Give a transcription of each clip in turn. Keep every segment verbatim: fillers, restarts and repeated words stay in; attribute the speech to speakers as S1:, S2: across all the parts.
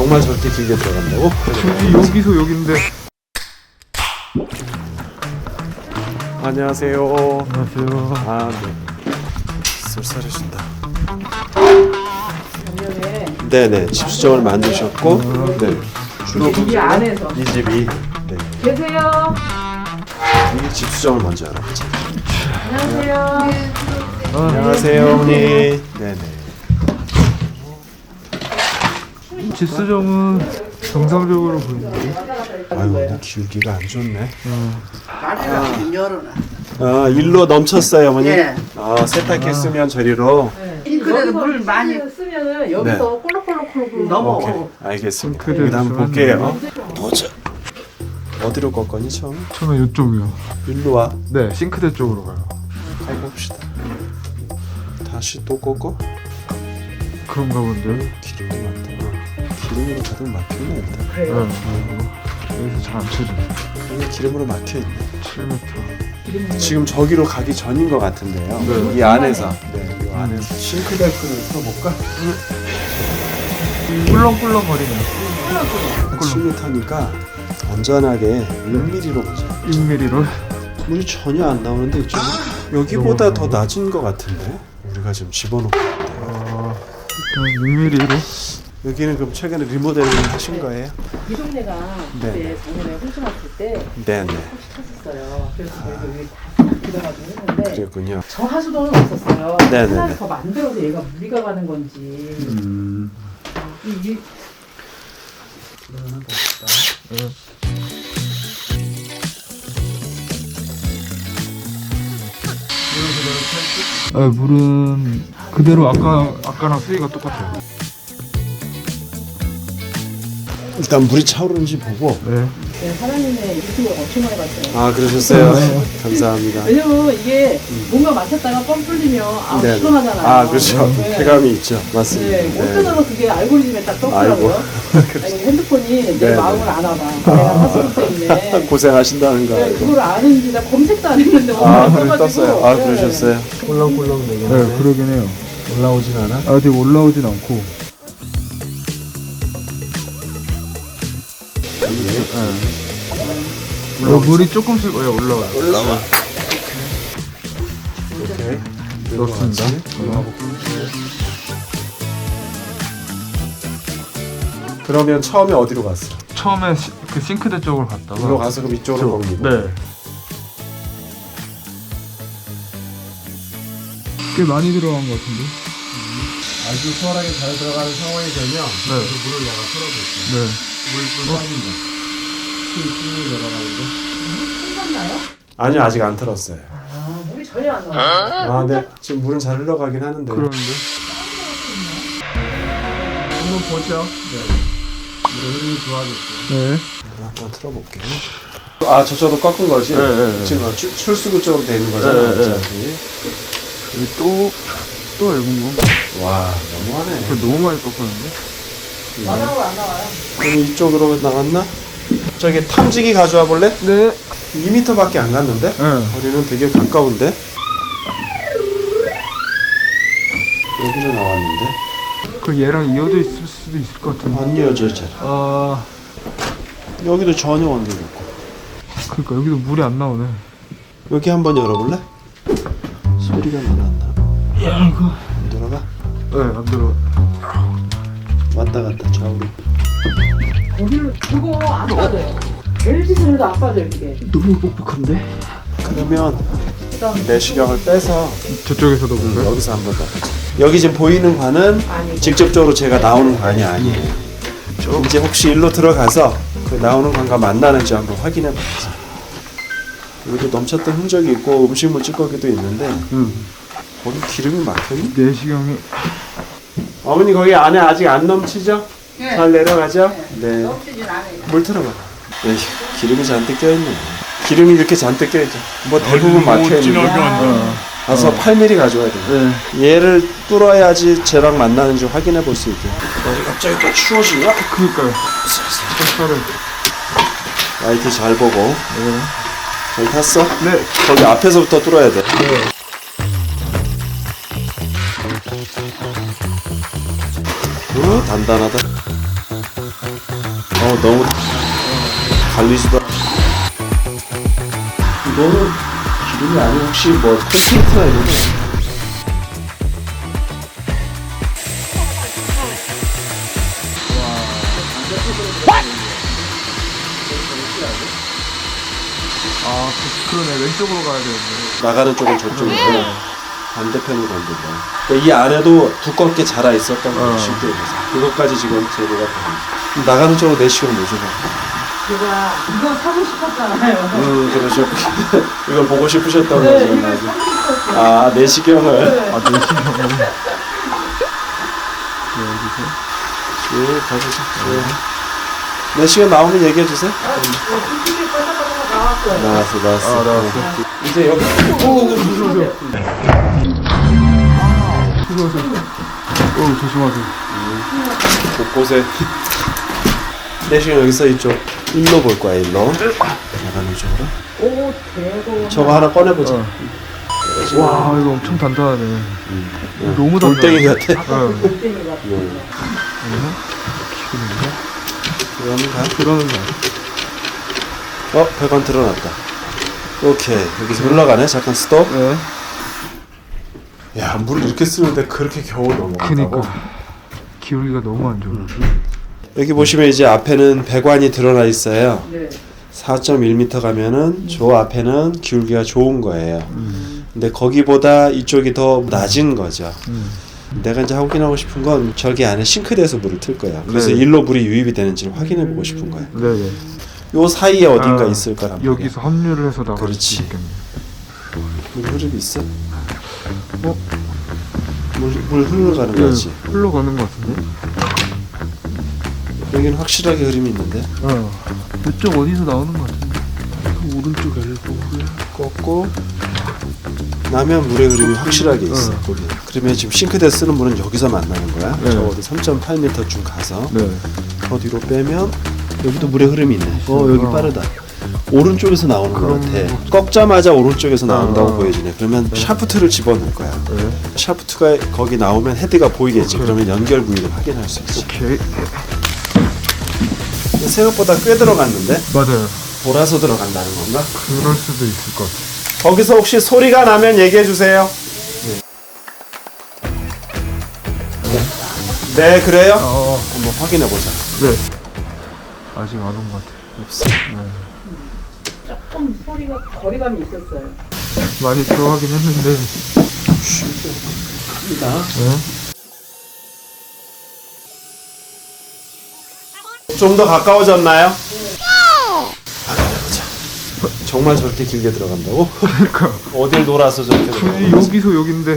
S1: 정말 저렇게 길게 들어간다고?
S2: 굳이 여기서 여긴데.
S1: 안녕하세요.
S2: 안녕하세요.
S1: 아, 네. 쏠쏠해진다. 네네, 집수정을 만드셨고, 네.
S3: 이 안에서
S1: 이 집이, 네.
S3: 계세요.
S1: 이 집수정을 먼저 알아보자.
S3: 안녕하세요.
S1: 안녕하세요, 어머니. 네네.
S2: 집수정은 정상적으로 보이는데.
S1: 아유, 오늘 기울기가 안 좋네.
S4: 말을 열어놔.
S1: 아, 일로 넘쳤어요, 어머니?
S4: 예.
S1: 아, 세탁했으면 저리로.
S4: 싱크대도 물 많이
S3: 쓰면은 여기서 꼴록꼴록꼴록
S4: 넘어.
S1: 오케이, 알겠습니다.
S2: 싱크대
S1: 여기다 한번
S2: 있으면
S1: 볼게요. 보자. 어디로 꺾었니, 처음?
S2: 저는 이쪽이요.
S1: 일로 와.
S2: 네, 싱크대 쪽으로 가요.
S1: 가봅시다. 다시 또 꺾어?
S2: 그런가 본데요.
S1: 기름이 많다. 기름으로 가득 막혀있네, 일단.
S3: 그래요.
S2: 네. 여기서 잘 안 쳐져.
S1: 여기 기름으로 막혀있네.
S2: 칠 미터.
S1: 지금 저기로 가기 전인 것 같은데요.
S2: 네.
S1: 이 안에서. 네, 이 안에서. 싱크대 끈을 풀어볼까?
S2: 꿀렁꿀렁 거리네.
S1: 칠 미터니까 안전하게 일 밀리미터로 보자.
S2: 일 밀리미터로.
S1: 물이 전혀 안 나오는데 이쪽은 여기보다 더 낮은 것 같은데 우리가 지금 집어넣고 있는데요.
S2: 어, 일단 육 밀리미터로.
S1: 여기는 그럼 최근에 리모델링 하신 거예요?
S3: 이 동네가
S1: 네.
S3: 그때 작년에 홈쇼 갔을 때
S1: 네네.
S3: 쳤었어요. 그래서 저희도 여기 다 들어가지고 했는데
S1: 그랬군요.
S3: 저 하수도는 없었어요.
S1: 네네네.
S3: 하나를 더 만들어서 얘가 무리가 가는 건지.
S1: 음.
S3: 이, 이
S2: 네, 물은 그대로 아까 아까랑 수위가 똑같아요.
S1: 일단 물이 차오르는지 보고.
S2: 네.
S3: 네, 사장님의 유튜브를 엄청 많이 봤어요.
S1: 아 그러셨어요? 감사합니다.
S3: 왜냐면 이게 뭔가 마셨다가 뻥 뚫리면 아
S1: 네네.
S3: 시원하잖아요.
S1: 아 그렇죠.
S3: 네.
S1: 쾌감이 있죠. 맞습니다.
S3: 네, 어쩌다가 그게 알고리즘에 딱 떴더라고요.
S1: 아이고.
S3: 아니, 핸드폰이 내
S1: 네네.
S3: 마음을 안 알아. 내가 하수도 때문에.
S1: 고생하신다는 거
S3: 네,
S1: 알고.
S3: 그걸 아는지 나 검색도 안 했는데
S1: 아
S3: 오늘
S1: 그래
S3: 떠가지고.
S1: 떴어요. 아
S3: 네.
S1: 그러셨어요? 꿀렁꿀렁
S2: 네,
S1: 되겠네.
S2: 그러긴 해요.
S1: 올라오진 않아?
S2: 아직 올라오진 않고. 네. 어, 물이 조금씩 예, 올라와요.
S1: 올라와. 오케이.
S2: 넣습니다.
S1: 그러면 처음에 어디로 갔어?
S2: 처음에 시, 그 싱크대 쪽으로 갔다가
S1: 물로 가서 그럼 이쪽으로 옮기고.
S2: 네. 꽤 많이 들어간 것 같은데.
S1: 아주 수월하게 잘 들어가는 상황이 되면
S2: 네.
S1: 물을 내가 풀어볼게.
S2: 네.
S1: 물좀 빠진다. 쭉 내려가는데.
S3: 끝났나요?
S1: 아니요 아직 안 틀었어요.
S3: 아, 물이 전혀 안 나와.
S1: 아 네. 지금 물은 잘 흘러가긴 하는데.
S2: 그런데.
S1: 한번 보죠. 네. 물의 흐름이 좋아졌어요.
S2: 네.
S1: 한번 틀어볼게요. 아 저쪽도 꺾은 거지?
S2: 네, 네, 네.
S1: 지금 출, 출수구 쪽으로 돼 있는 거잖아.
S2: 네, 네.
S1: 어차피.
S2: 여기 또, 또 얇은 거.
S1: 와 너무하네.
S2: 그 너무 많이 꺾었는데?
S3: 바닥으로 안 나와요.
S1: 그럼 이쪽으로 나갔나? 저기 탐지기 가져와 볼래?
S2: 네.
S1: 이 미터밖에 안 갔는데?
S2: 네.
S1: 거리는 되게 가까운데? 여기로 나왔는데?
S2: 그 얘랑 이어져 있을 수도 있을 것 같은데.
S1: 안 이어져 잘.
S2: 아,
S1: 여기도 전혀 원리가 없고.
S2: 그러니까 여기도 물이 안 나오네.
S1: 여기 한번 열어볼래? 소리가 나나?
S2: 야, 이거.
S1: 안 들어가?
S2: 네, 안 들어.
S1: 왔다 갔다 좌우로.
S3: 거기를 그거 안 빠져요. 벨짓을 해도 안 빠져요 그게.
S1: 너무 뻑뻑한데? 그러면 내시경을 빼서
S2: 저쪽에서도 볼까요?
S1: 여기서 한번 더 보자. 여기 지금 보이는 관은
S3: 아니고.
S1: 직접적으로 제가 나오는 관이 아니에요. 이제 혹시 일로 들어가서 그 나오는 관과 만나는지 한번 확인해 봐야지. 여기도 넘쳤던 흔적이 있고 음식물 찌꺼기도 있는데
S2: 응.
S1: 거기 기름이 막혔니?
S2: 내시경이.
S1: 어머니 거기 안에 아직 안 넘치죠?
S4: 네.
S1: 잘 내려가죠? 네.
S4: 넘치진 않아요.
S1: 물 틀어봐. 에이, 기름이 잔뜩 껴있네. 기름이 이렇게 잔뜩 껴있죠. 뭐 대부분 막혀있는데 가서 팔 밀리미터 가져와야 돼.
S2: 네.
S1: 얘를 뚫어야지 쟤랑 만나는지 확인해 볼 수 있게. 어, 갑자기 또 추워지냐?
S2: 그니까요. 색깔을.
S1: 라이트 잘 보고.
S2: 네.
S1: 잘 탔어?
S2: 네.
S1: 거기 앞에서부터 뚫어야 돼.
S2: 네.
S1: 오, 단단하다. 어 너무 갈리지도 않- 이거는 기름이 아니고 혹시 뭐 콘크리트나 이런 거
S2: 아 그, 그러네 왼쪽으로 가야 되는데.
S1: 나가는 쪽은 저쪽이고 반대편으로 건드려. 그러니까 이 안에도 두껍게 자라 있었던 거예요.
S2: 어.
S1: 실제로 서 그것까지 지금 제거가 됩니다. 나가는 쪽으로 내시경 모셔봐.
S3: 제가 이거 사고 싶었잖아요.
S1: 음 그러죠. 이걸 보고 싶으셨던
S3: 네,
S1: 거죠.
S3: 이걸 사고 싶었어요.
S1: 아 내시경을
S3: 네.
S2: 아 내시경을. 여기서.
S1: 예 가보죠. 예. 내시경 나오면 얘기해 주세요.
S3: 아, 이거 찌개 빠삭빠삭 나왔어요.
S1: 나왔어 나왔어.
S2: 아 나왔어.
S1: 네. 이제 여기
S2: 무서워요. 무서워요. 어 조심하세요.
S1: 곳곳에 내시경 여기 써 있죠. 일로 볼 거야 일로. 나가는 쪽으로.
S3: 오, 대박.
S1: 저거 하나 꺼내보자.
S2: 어. 와 이거 엄청 단단하네.
S1: 응.
S2: 너무
S1: 돌덩이
S2: 단단해.
S1: 같아.
S2: 어.
S3: 골뱅이 같은
S1: 응. 그러면 가.
S2: 그러는 거.
S1: 어, 배관 드러났다. 오케이. 여기서 흘러가네. 잠깐 스톱.
S2: 네.
S1: 야, 물을 이렇게 쓰는데 그렇게 겨우 넘어간다고?
S2: 그니까 기울기가 너무 안 좋아.
S1: 여기 보시면 이제 앞에는 배관이 드러나 있어요.
S3: 네.
S1: 사 점 일 미터 가면은 저 앞에는 기울기가 좋은 거예요. 근데 거기보다 이쪽이 더 낮은 거죠.
S2: 음.
S1: 내가 이제 확인하고 싶은 건 저기 안에 싱크대에서 물을 틀 거야. 그래서
S2: 네.
S1: 일로 물이 유입이 되는지를 확인해 보고 싶은 거야.
S2: 네네.
S1: 요 사이에 어딘가
S2: 아,
S1: 있을 거란 말이야.
S2: 여기서 합류를 해서 나갈
S1: 그렇지.
S2: 수 있겠네.
S1: 물 흐름이 있어?
S2: 어?
S1: 물, 물 흘러가는 거지.
S2: 네, 흘러가는 것 같은데?
S1: 여기는 확실하게 흐름이 있는데.
S2: 어. 이쪽 어디서 나오는 것 같은데? 그 오른쪽 엘보
S1: 꺾고 나면 물의 흐름이 확실하게 있어.
S2: 어.
S1: 거기. 그러면 지금 싱크대 쓰는 물은 여기서 만나는 거야.
S2: 네.
S1: 적어도 삼 점 팔 미터쯤 가서
S2: 네.
S1: 더 뒤로 빼면 여기도 물의 흐름이 있네. 어 여기
S2: 어.
S1: 빠르다. 오른쪽에서 나오는 것
S2: 그런
S1: 같아. 꺾자마자 오른쪽에서 나온다고
S2: 어.
S1: 보여지네. 그러면 샤프트를 집어넣을 거야.
S2: 네.
S1: 샤프트가 거기 나오면 헤드가 보이겠지.
S2: 오케이.
S1: 그러면 연결 부위를 확인할 수 있지.
S2: 오케이.
S1: 생각보다 꽤 들어갔는데
S2: 맞아요.
S1: 돌아서 들어간다는 건가?
S2: 그럴 수도 있을 것 같아.
S1: 거기서 혹시 소리가 나면 얘기해 주세요. 네, 네 그래요?
S2: 어.
S1: 한번 확인해 보자.
S2: 네. 아직 안 온 것 같아.
S1: 없어.
S3: 조금 소리가 거리감이 있었어요.
S2: 많이 들어가긴 했는데.
S1: 쉽니다.
S2: 네.
S1: 좀 더 가까워졌나요? 확인해보자. 정말 저렇게 길게 들어간다고?
S2: 그러니까
S1: 어딜 돌아서 저렇게
S2: 굳이
S1: 들어가는
S2: 여기서 여긴데.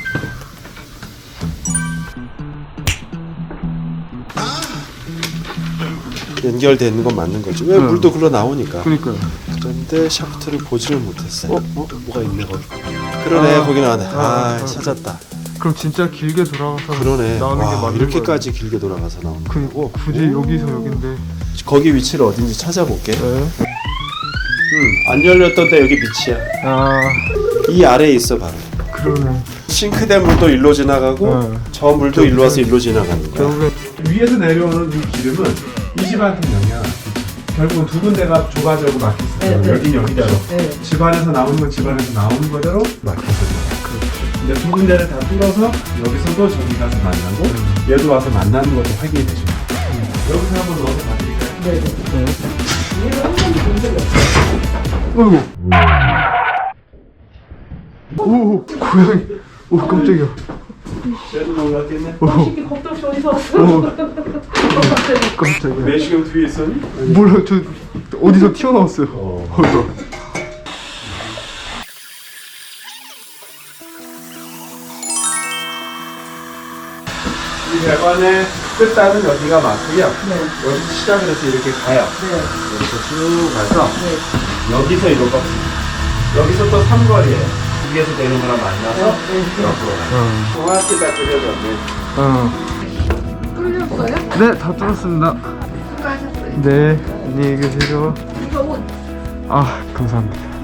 S1: 연결되는 건 맞는 거지. 왜
S2: 네.
S1: 물도 글러 나오니까.
S2: 그러니까요.
S1: 그런데 샤프트를 보지를 못했어요.
S2: 어?
S1: 어? 뭐가 있네 거기. 그러네
S2: 아.
S1: 거기 나왔네. 아,
S2: 아, 아.
S1: 찾았다.
S2: 그럼 진짜 길게 돌아가서
S1: 그러네.
S2: 나오는 게
S1: 와
S2: 맞는
S1: 이렇게까지 길게 돌아가서 나오는
S2: 거예요. 그,
S1: 거고.
S2: 굳이 여기서 여긴데.
S1: 거기 위치를 어딘지 찾아볼게.
S2: 네.
S1: 음, 안 열렸던 데 여기 밑이야.
S2: 아
S1: 이 아래에 있어 바로.
S2: 그러네.
S1: 싱크대 물도 일로 지나가고
S2: 네.
S1: 저 물도 일로 와서 일로 지나가는 거야.
S2: 결국에
S1: 위에서 내려오는 이 기름은 이 집안한테 영향. 결국은 두 군데가 조가지고 막혔어요.
S3: 네, 네.
S1: 여긴 여기대로.
S3: 네.
S1: 집안에서 나오는 건 집안에서 나오는 거대로 막혔어요. 근데 두 군데를 다 뚫어서 여기서도 저기 가서 만나고 얘도 와서 만나는 것도 확인이 되죠. 여기서 한번 넣어서 봐드릴까요?
S3: 네. 네. 얘를 한 번도 본 적이 없어요.
S2: 어이구. 오 고양이. 오 깜짝이야.
S1: 쟤도 놀랐겠네.
S2: 오
S3: 이렇게 겁도 없이 어디서 왔어?
S2: 오.
S3: 갑자기.
S2: 깜짝이야.
S1: 내시경 뒤에 있었니?
S2: 몰라 저 어디서 튀어나왔어요.
S1: 어.
S2: 어이구.
S1: 이 배관의 끝단은 여기가 맞고요.
S3: 네.
S1: 여기 시작을 해서 이렇게 가요.
S3: 네.
S1: 이렇게 쭉 가서
S3: 네.
S1: 여기서 이로 꺾습니다. 여기서 또 삼거리에요. 위에서 내는 거랑 만나서
S3: 네. 네.
S1: 옆으로 가요.
S2: 어.
S1: 정확히 다 그려졌네.
S2: 어.
S3: 뚫렸어요?
S2: 네, 다 뚫었습니다.
S4: 수고하셨어요.
S2: 네, 안녕히 계세요.
S3: 이거 옷
S2: 아, 감사합니다.